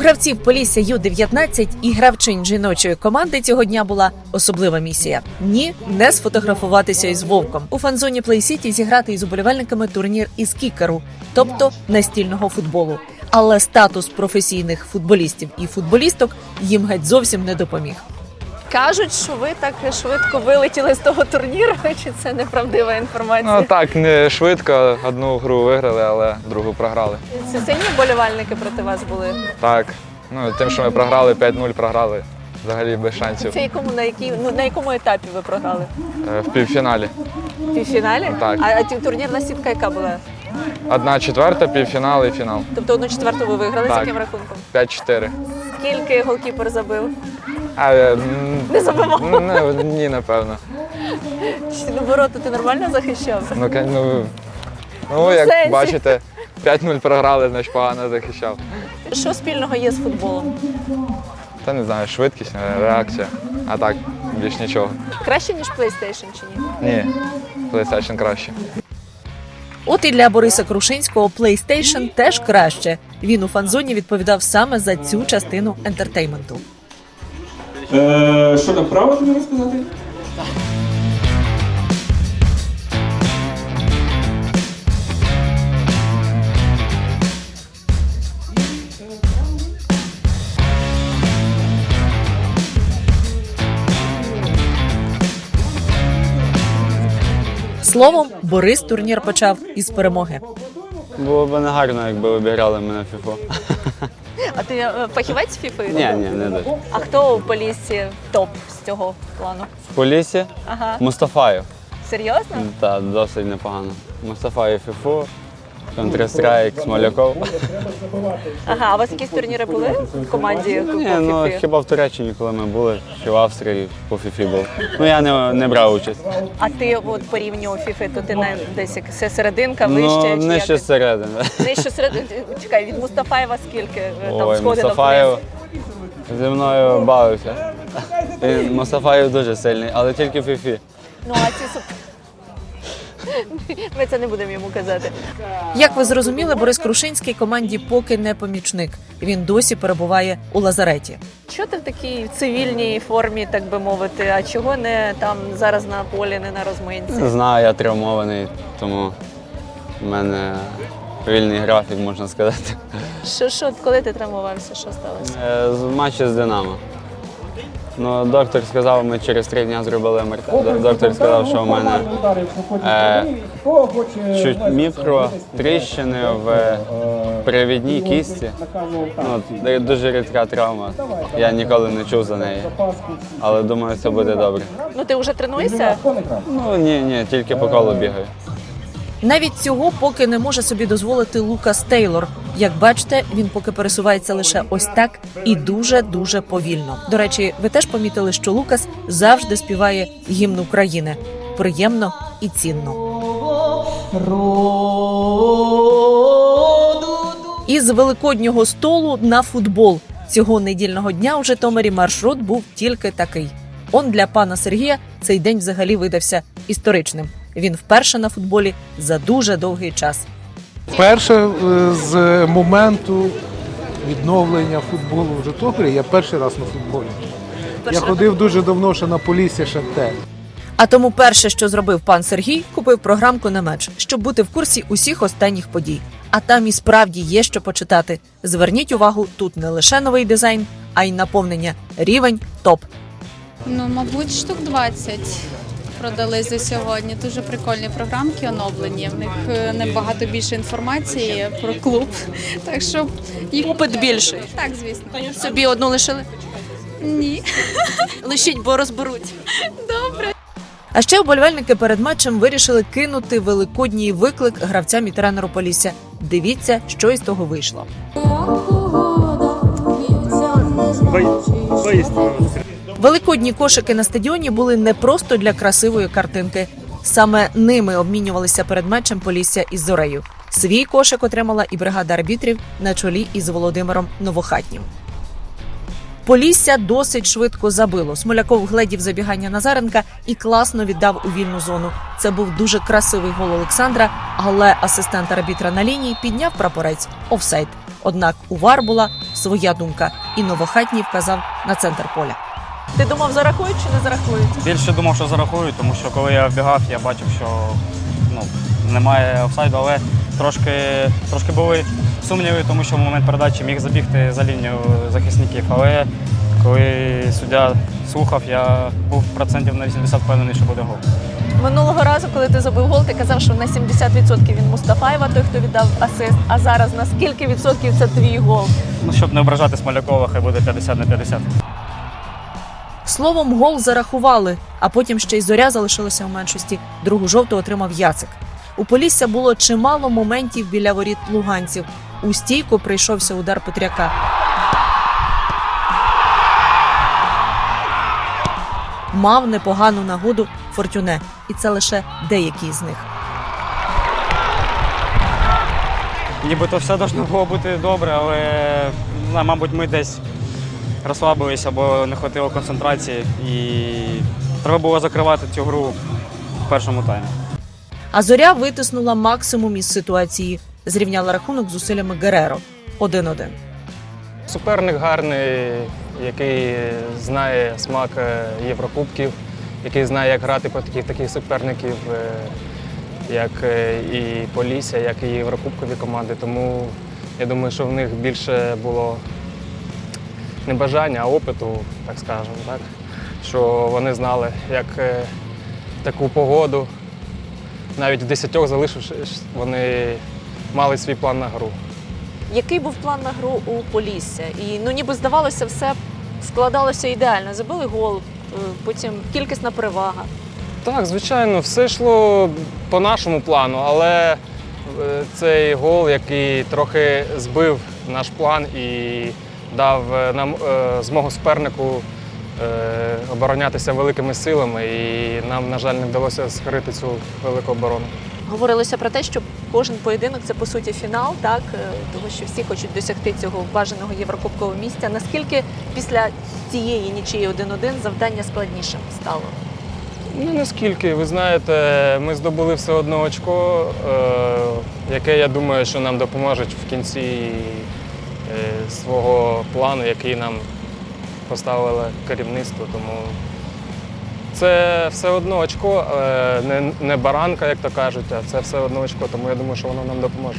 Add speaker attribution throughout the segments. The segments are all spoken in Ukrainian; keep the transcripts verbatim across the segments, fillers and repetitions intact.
Speaker 1: гравців Полісся ю дев'ятнадцять і гравчинь жіночої команди цього дня була особлива місія. Ні, не сфотографуватися із Вовком. У фан-зоні Play City зіграти із уболівальниками турнір із кікеру, тобто настільного футболу. Але статус професійних футболістів і футболісток їм геть зовсім не допоміг.
Speaker 2: Кажуть, що ви так швидко вилетіли з того турніру, чи це неправдива інформація?
Speaker 3: Ну так, не швидко. Одну гру виграли, але другу програли.
Speaker 2: Це сильні вболівальники проти вас були?
Speaker 3: Так. Ну, тим, що ми програли, п'ять нуль програли. Взагалі без шансів.
Speaker 2: Це якому, на, якій, ну, на якому етапі ви програли?
Speaker 3: Е, В півфіналі.
Speaker 2: В півфіналі?
Speaker 3: Так.
Speaker 2: А, а ті- турнірна сітка яка була?
Speaker 3: Одна четверта, півфінал і фінал.
Speaker 2: Тобто одну четверту ви виграли,
Speaker 3: Так.
Speaker 2: з яким рахунком?
Speaker 3: п'ять чотири.
Speaker 2: Скільки голкіпер забив?
Speaker 3: А, е, м,
Speaker 2: Не забивав?
Speaker 3: ну, не, ні, напевно.
Speaker 2: Чи ну, ворота ти нормально захищав?
Speaker 3: Ну, ка- ну, ну
Speaker 2: Ну,
Speaker 3: як
Speaker 2: сенсі.
Speaker 3: бачите, п'ять нуль програли, значить погано захищав.
Speaker 2: Що спільного є з футболом?
Speaker 3: Та не знаю, швидкість, е, реакція. А так, більш нічого.
Speaker 2: Краще, ніж PlayStation чи ні?
Speaker 3: Ні, PlayStation краще.
Speaker 1: От і для Бориса Крушинського PlayStation теж краще. Він у фан-зоні відповідав саме за цю частину ентертейменту.
Speaker 4: Е, що там, право тобі розказати?
Speaker 1: Словом, Борис турнір почав із перемоги.
Speaker 5: Було б негарно, якби обіграли мене фіфу.
Speaker 2: А ти е, фахівець фіфи?
Speaker 5: Ні, ні, не дуже.
Speaker 2: А хто у Поліссі топ з цього плану?
Speaker 5: В Поліссі
Speaker 2: Ага.
Speaker 5: Мустафаєв.
Speaker 2: Серйозно?
Speaker 5: Так, досить непогано. Мустафаєв фіфу, Counter-Strike, Смоляков.
Speaker 2: Ага, а у вас якісь турніри були в команді по
Speaker 5: Ні, ну
Speaker 2: фіфі?
Speaker 5: хіба в Туреччині, коли ми були, чи в Австрії по фіфі був. Ну я не, не брав участь.
Speaker 2: А ти от по рівню фіфи, то ти не десь як се- серединка, вище?
Speaker 5: Ну,
Speaker 2: чи
Speaker 5: нижче
Speaker 2: як?
Speaker 5: зсередини.
Speaker 2: Нижче середини. Чекай, від Мустафаєва скільки е, там
Speaker 5: Ой,
Speaker 2: сходинок
Speaker 5: Мустафаєв
Speaker 2: вниз?
Speaker 5: зі мною бавився. І Мустафаєв дуже сильний, але тільки в фіфі.
Speaker 2: Ну, а ці суп... Ми це не будемо йому казати.
Speaker 1: Як ви зрозуміли, Борис Крушинський команді поки не помічник. Він досі перебуває у лазареті.
Speaker 2: Що ти в такій цивільній формі, так би мовити, а чого не там зараз на полі, не на розминці?
Speaker 5: Не знаю, я травмований, тому в мене вільний графік, можна сказати.
Speaker 2: Що, що, коли ти травмувався, що сталося?
Speaker 5: Е, З матчу з Динамо. Ну, доктор сказав, ми через три дні зробили ем ер те. Д- Доктор сказав, що в мене е, чуть мікро тріщини в привідній кісті. Ну, д- дуже рідка травма. Я ніколи не чув за неї. Але думаю, все буде добре.
Speaker 2: Ну ти вже тренуєшся?
Speaker 5: Ну ні, ні, тільки по колу бігаю.
Speaker 1: Навіть цього поки не може собі дозволити Лукас Тейлор. Як бачите, він поки пересувається лише ось так і дуже-дуже повільно. До речі, ви теж помітили, що Лукас завжди співає гімн України. Приємно і цінно. Із великоднього столу на футбол. Цього недільного дня у Житомирі маршрут був тільки такий. Он для пана Сергія цей день взагалі видався історичним. Він вперше на футболі за дуже довгий час.
Speaker 6: Перше е, з моменту відновлення футболу в Житомирі я перший раз на футболі. Я ходив дуже давно ще на Полісся Шахтер.
Speaker 1: А тому перше, що зробив пан Сергій, купив програмку на меч, щоб бути в курсі усіх останніх подій. А там і справді є що почитати. Зверніть увагу, тут не лише новий дизайн, а й наповнення. Рівень топ.
Speaker 7: Ну, мабуть, штук двадцять продали за сьогодні. Дуже прикольні програмки оновлені. В них е, набагато більше інформації про клуб. Так що їх
Speaker 2: Попит більший.
Speaker 7: так, звісно.
Speaker 2: Собі одну лишили?
Speaker 7: Ні.
Speaker 2: Лишіть, бо розберуть.
Speaker 1: А ще вболівальники перед матчем вирішили кинути великодній виклик гравцям і тренеру Полісся. Дивіться, що із того вийшло. Великодні кошики на стадіоні були не просто для красивої картинки. Саме ними обмінювалися перед матчем Полісся із Зорею. Свій кошик отримала і бригада арбітрів на чолі із Володимиром Новохатнім. Полісся досить швидко забило. Смоляков гледів забігання Назаренка і класно віддав у вільну зону. Це був дуже красивий гол Олександра, але асистент арбітра на лінії підняв прапорець офсайд. Однак у ВАР була своя думка, і Новохатній вказав на центр поля.
Speaker 2: Ти думав, зарахують чи не зарахують?
Speaker 8: Більше думав, що зарахують, тому що коли я вбігав, я бачив, що ну, немає офсайду, але трошки, трошки були сумніви, тому що в момент передачі міг забігти за лінію захисників. Але коли суддя слухав, я був процентів на вісімдесят впевнений, що буде гол.
Speaker 2: Минулого разу, коли ти забив гол, ти казав, що на сімдесят відсотків він Мустафаєва, той, хто віддав асист. А зараз на скільки відсотків це твій гол?
Speaker 8: Ну, щоб не ображати Смолякова, хай буде п'ятдесят на п'ятдесят.
Speaker 1: Словом, гол зарахували, а потім ще й Зоря залишилася у меншості. Другу жовту отримав Яцик. У Полісся було чимало моментів біля воріт луганців. У стійку прийшовся удар Петряка. Мав непогану нагоду Фортюне. І це лише деякі з них.
Speaker 8: Нібито все должно було бути добре, але, ну, мабуть, ми десь розслабилися або не вистачило концентрації. І треба було закривати цю гру в першому таймі.
Speaker 1: А Зоря витиснула максимум із ситуації. Зрівняла рахунок зусиллями Гереро. один-один.
Speaker 9: Суперник гарний, який знає смак Єврокубків, який знає, як грати по таких таких суперників, як і Полісся, як і Єврокубкові команди. Тому я думаю, що в них більше було не бажання, а опиту, так скажемо, так? Що вони знали, як таку погоду, навіть в десятьох залишившись, вони мали свій план на гру.
Speaker 2: Який був план на гру у Полісся? І ну ніби здавалося, все складалося ідеально. Забили гол, потім кількісна перевага.
Speaker 9: Так, звичайно, все йшло по нашому плану, але цей гол, який трохи збив наш план і дав нам змогу супернику оборонятися великими силами, і нам, на жаль, не вдалося скрити цю велику оборону.
Speaker 2: Говорилося про те, що кожен поєдинок – це, по суті, фінал, так? Тому що всі хочуть досягти цього бажаного єврокубкового місця. Наскільки після цієї нічиї один-один завдання складнішим стало?
Speaker 9: Ну, наскільки. Ви знаєте, ми здобули все одно очко, яке, я думаю, що нам допоможе в кінці свого плану, який нам поставило керівництво. Тому це все одно очко, не, не баранка, як то кажуть, а це все одно очко, тому я думаю, що воно нам допоможе.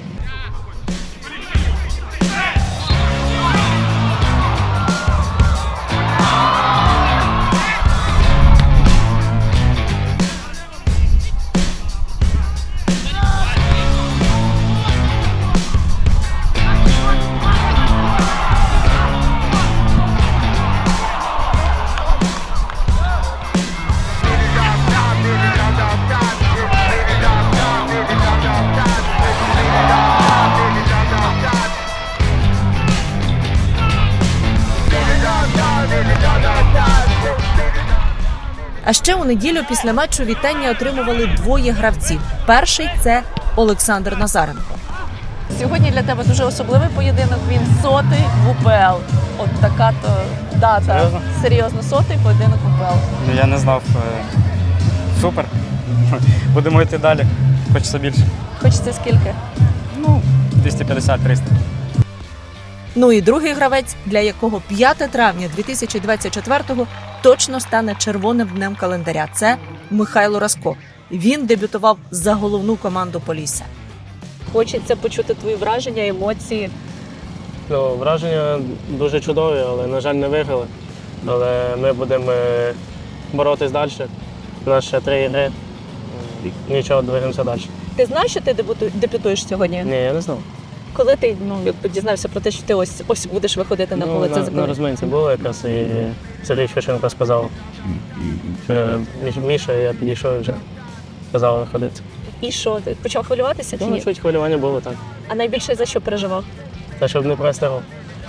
Speaker 1: А ще у неділю після матчу вітання отримували двоє гравців. Перший – це Олександр Назаренко.
Speaker 2: Сьогодні для тебе дуже особливий поєдинок. Він сотий в УПЛ. От така то дата.
Speaker 8: Серйозно?
Speaker 2: Серйозно, сотий поєдинок в УПЛ.
Speaker 8: Я не знав. Супер. Будемо йти далі. Хочеться більше.
Speaker 2: Хочеться скільки?
Speaker 8: Ну, двісті п'ятдесят - триста.
Speaker 1: Ну і другий гравець, для якого п'яте травня дві тисячі двадцять четвертого точно стане червоним днем календаря. Це Михайло Раско. Він дебютував за головну команду Полісся.
Speaker 2: Хочеться почути твої враження, емоції.
Speaker 10: Ну, враження дуже чудові, але, на жаль, не виграли. Але ми будемо боротись далі. У нас ще три ігри. Нічого, двигаємося далі.
Speaker 2: Ти знав, що ти дебюту- дебютуєш сьогодні?
Speaker 10: Ні, я не знав.
Speaker 2: Коли ти ну, якби дізнався про те, що ти ось, ось будеш виходити на поле,
Speaker 10: Ну,
Speaker 2: це
Speaker 10: на, на
Speaker 2: закон?
Speaker 10: розминці було якраз, і Сергій Шевченко сказав, що Міша, я підійшов і вже сказав виходити.
Speaker 2: І що, ти почав хвилюватися чи
Speaker 10: Ну,
Speaker 2: ні?
Speaker 10: чуть хвилювання було, так.
Speaker 2: А найбільше за що переживав?
Speaker 10: Та щоб не простигав.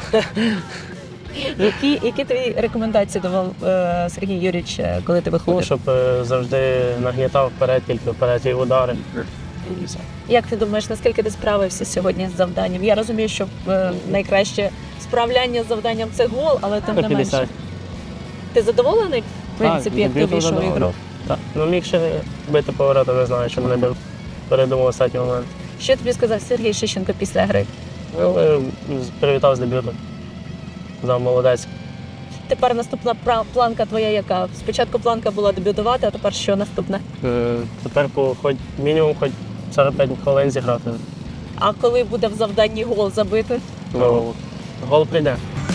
Speaker 2: Які, які твої рекомендації давав е, Сергій Юрійович, е, коли ти виходив?
Speaker 10: Ну, щоб е, завжди нагнітав вперед, тільки вперед і удари. І все.
Speaker 2: Як ти думаєш, наскільки ти справився сьогодні з завданням? Я розумію, що е, найкраще справляння з завданням це гол, але тим не менше.
Speaker 10: п'ятдесят.
Speaker 2: Ти задоволений, в принципі, як ти
Speaker 10: дебютом
Speaker 2: вийшов в ігру?
Speaker 10: задоволений. Так. Ну, міг ще бити поворота, не знаю, що не бив. Передумав останній момент.
Speaker 2: Що тобі сказав Сергій Шевченко після гри?
Speaker 10: Ну, але привітав з дебютом. Да, молодець.
Speaker 2: Тепер наступна пра- планка твоя яка? Спочатку планка була дебютувати, а тепер що наступне?
Speaker 10: Е, Тепер по хоч мінімум хоч сорок п'ять хвилин зіграти.
Speaker 2: А коли буде в завданні гол забити?
Speaker 10: Ну, гол прийде.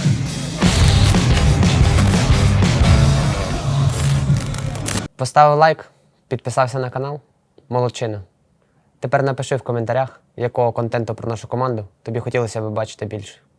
Speaker 11: Поставив лайк, підписався на канал. Молодчина. Тепер напиши в коментарях, якого контенту про нашу команду тобі хотілося б бачити більше.